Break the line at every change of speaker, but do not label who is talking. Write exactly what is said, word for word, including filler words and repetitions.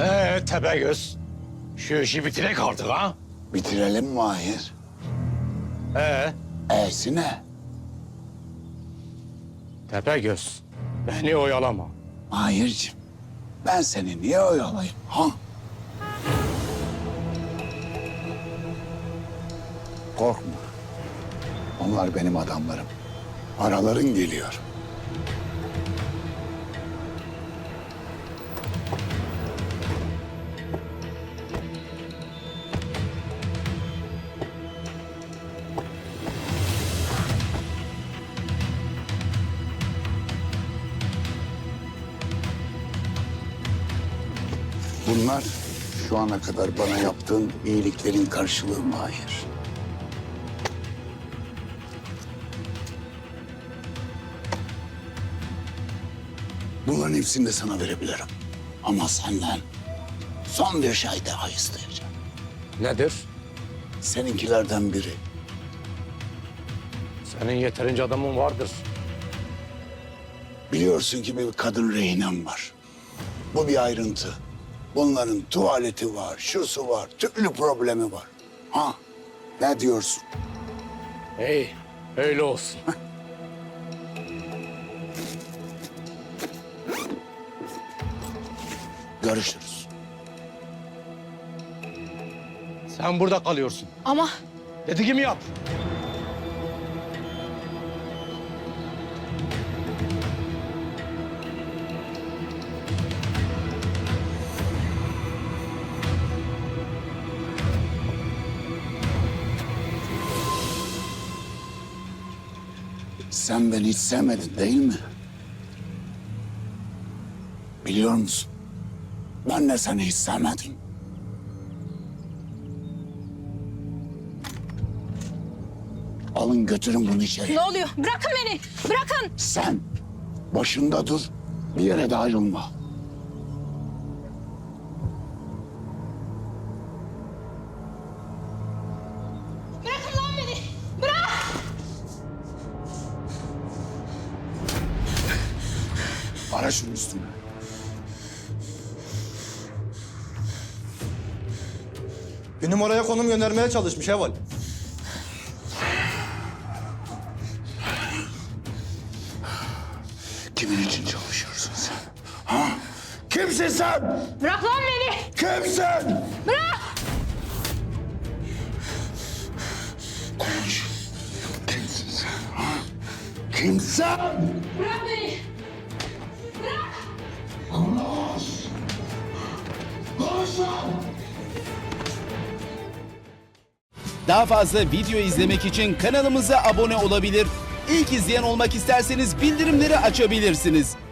Ee Tepegöz. Şu işi bitirek artık ha.
Bitirelim Mahir.
Ee
E'si ne?
Tepegöz. Beni oyalama.
Mahir'cim, ben seni niye oyalayayım ha? Korkma. Onlar benim adamlarım. Paraların geliyor. Bunlar şu ana kadar bana yaptığın iyiliklerin karşılığı Mahir. Bunların hepsini de sana verebilirim. Ama senden son bir şey daha isteyeceğim.
Nedir?
Seninkilerden biri.
Senin yeterince adamın vardır.
Biliyorsun ki bir kadın rehinem var. Bu bir ayrıntı. Bunların tuvaleti var, şusu var, türlü problemi var. Ha, ne diyorsun?
Hey, öyle olsun.
Görüşürüz.
Sen burada kalıyorsun.
Ama
Dediğimi yap.
Sen beni hiç sevmedin değil mi? Biliyor musun? Ben de seni hiç sevmedim. Alın götürün bunu içeri.
ne oluyor? Bırakın beni. Bırakın.
Sen başında dur, bir yere de ayrılma.
Bırakın lan beni. Bırak.
Ara şunun üstüne.
Bir numaraya konum göndermeye çalışmış Heval.
Kimin için çalışıyorsun sen? Ha? Kimsin sen?
Bırak lan beni.
Kimsin?
Bırak.
Konuş. Kimsin sen? Ha? Kimsin?
Bırak beni. Bırak.
Konuş. Konuş lan!
Daha fazla video izlemek için kanalımıza abone olabilir. İlk izleyen olmak isterseniz bildirimleri açabilirsiniz.